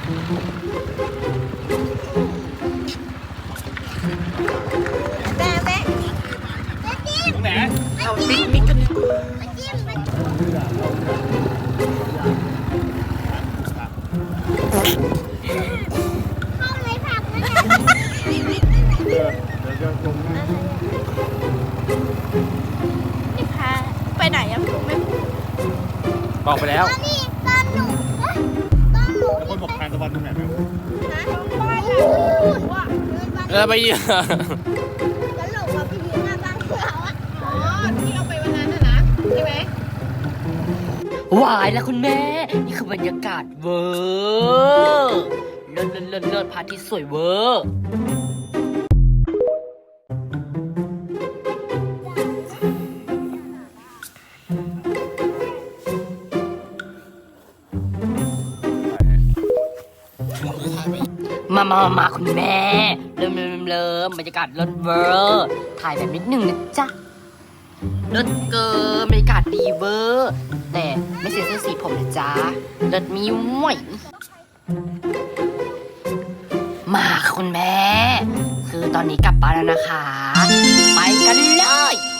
แม่แม่จิ้มตรงไหนเอาบิ๊กบิ๊กกันจิ้มเข้าเลยผักนะนี่พาไปไหนอะผมไม่บอกไปแล้วตอนนี้ตอนหนูตอนหนูแล้วคนบอกทานตะวันตรงไหนไหมนะบ้านว่าเดินบ้านแล้วไปเยอะแล้วหลงมาพี่หน้าบ้านเขาอะอ๋อที่เอาไปวันนั้นนะใช่ไหมวายแล้วคุณแม่ นี่คือบรรยากาศเวอร์เลิศเลิศเลิศเลิศพระอาทิตย์สวยเวอร์มาคุณแม่ เริ่มบรรยากาศเลิศเวอร์ถ่ายแบบนิดนึงนะจ๊ะเลิศเกินบรรยากาศดีเวอร์แต่ไม่เสียเสื้อสีผมนะจ๊ะเลิศมีหมวยมาค่ะคุณแม่ คือตอนนี้กลับบ้านแล้วนะคะ ไปกันเลย